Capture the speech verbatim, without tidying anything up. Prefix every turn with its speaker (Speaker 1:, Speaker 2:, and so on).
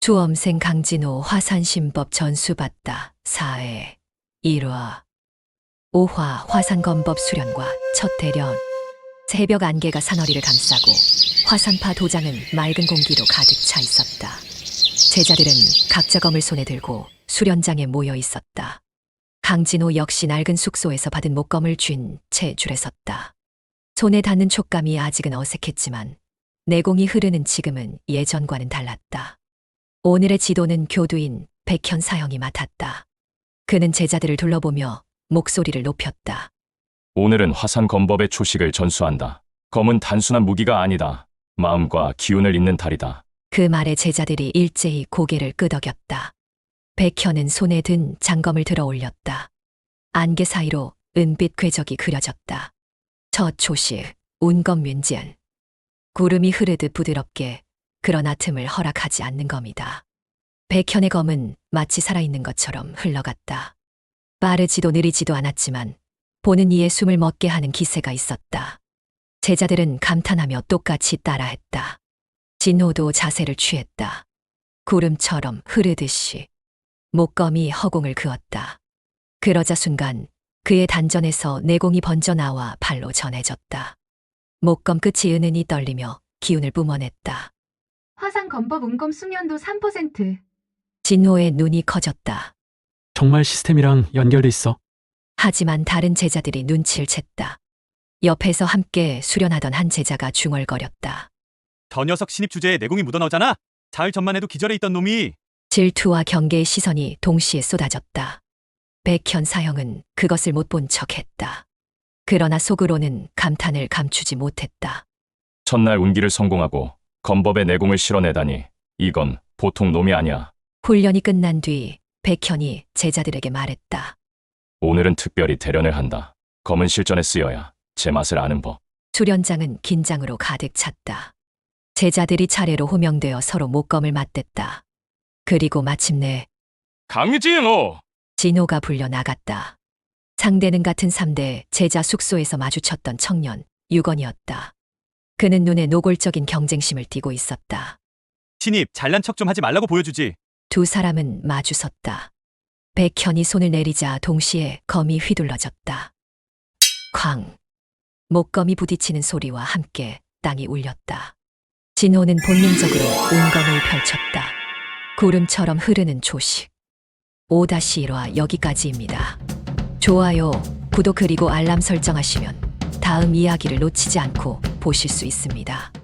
Speaker 1: 수험생 강진호 화산신법 전수받다 사회 일화 오화 화산검법 수련과 첫 대련. 새벽 안개가 산허리를 감싸고 화산파 도장은 맑은 공기로 가득 차 있었다. 제자들은 각자 검을 손에 들고 수련장에 모여 있었다. 강진호 역시 낡은 숙소에서 받은 목검을 쥔 채 줄에 섰다. 손에 닿는 촉감이 아직은 어색했지만 내공이 흐르는 지금은 예전과는 달랐다. 오늘의 지도는 교두인 백현 사형이 맡았다. 그는 제자들을 둘러보며 목소리를 높였다.
Speaker 2: 오늘은 화산 검법의 초식을 전수한다. 검은 단순한 무기가 아니다. 마음과 기운을 잇는 달이다.
Speaker 1: 그 말에 제자들이 일제히 고개를 끄덕였다. 백현은 손에 든 장검을 들어 올렸다. 안개 사이로 은빛 궤적이 그려졌다. 첫 초식, 운검윤지은. 구름이 흐르듯 부드럽게 그러나 틈을 허락하지 않는 검이다. 백현의 검은 마치 살아있는 것처럼 흘러갔다. 빠르지도 느리지도 않았지만 보는 이의 숨을 멎게 하는 기세가 있었다. 제자들은 감탄하며 똑같이 따라했다. 진호도 자세를 취했다. 구름처럼 흐르듯이 목검이 허공을 그었다. 그러자 순간 그의 단전에서 내공이 번져나와 발로 전해졌다. 목검 끝이 은은히 떨리며 기운을 뿜어냈다.
Speaker 3: 화산 검법 운검 숙련도 삼 퍼센트.
Speaker 1: 진호의 눈이 커졌다.
Speaker 4: 정말 시스템이랑 연결돼 있어.
Speaker 1: 하지만 다른 제자들이 눈치를 챘다. 옆에서 함께 수련하던 한 제자가 중얼거렸다.
Speaker 5: 저 녀석 신입 주제에 내공이 묻어나오잖아. 사흘 전만 해도 기절해 있던 놈이.
Speaker 1: 질투와 경계의 시선이 동시에 쏟아졌다. 백현 사형은 그것을 못 본 척했다. 그러나 속으로는 감탄을 감추지 못했다.
Speaker 2: 첫날 운기를 성공하고 검법의 내공을 실어내다니 이건 보통 놈이 아니야.
Speaker 1: 훈련이 끝난 뒤 백현이 제자들에게 말했다.
Speaker 2: 오늘은 특별히 대련을 한다. 검은 실전에 쓰여야 제맛을 아는 법.
Speaker 1: 수련장은 긴장으로 가득 찼다. 제자들이 차례로 호명되어 서로 목검을 맞댔다. 그리고 마침내
Speaker 2: 강진호!
Speaker 1: 진호가 불려 나갔다. 상대는 같은 삼 대 제자 숙소에서 마주쳤던 청년 유건이었다. 그는 눈에 노골적인 경쟁심을 띠고 있었다.
Speaker 5: 신입 잘난 척 좀 하지 말라고 보여주지.
Speaker 1: 두 사람은 마주섰다. 백현이 손을 내리자 동시에 검이 휘둘러졌다. 쾅! 목검이 부딪히는 소리와 함께 땅이 울렸다. 진호는 본능적으로 운검을 펼쳤다. 구름처럼 흐르는 초식. 오 일 화 여기까지입니다. 좋아요, 구독 그리고 알람 설정하시면 다음 이야기를 놓치지 않고 보실 수 있습니다.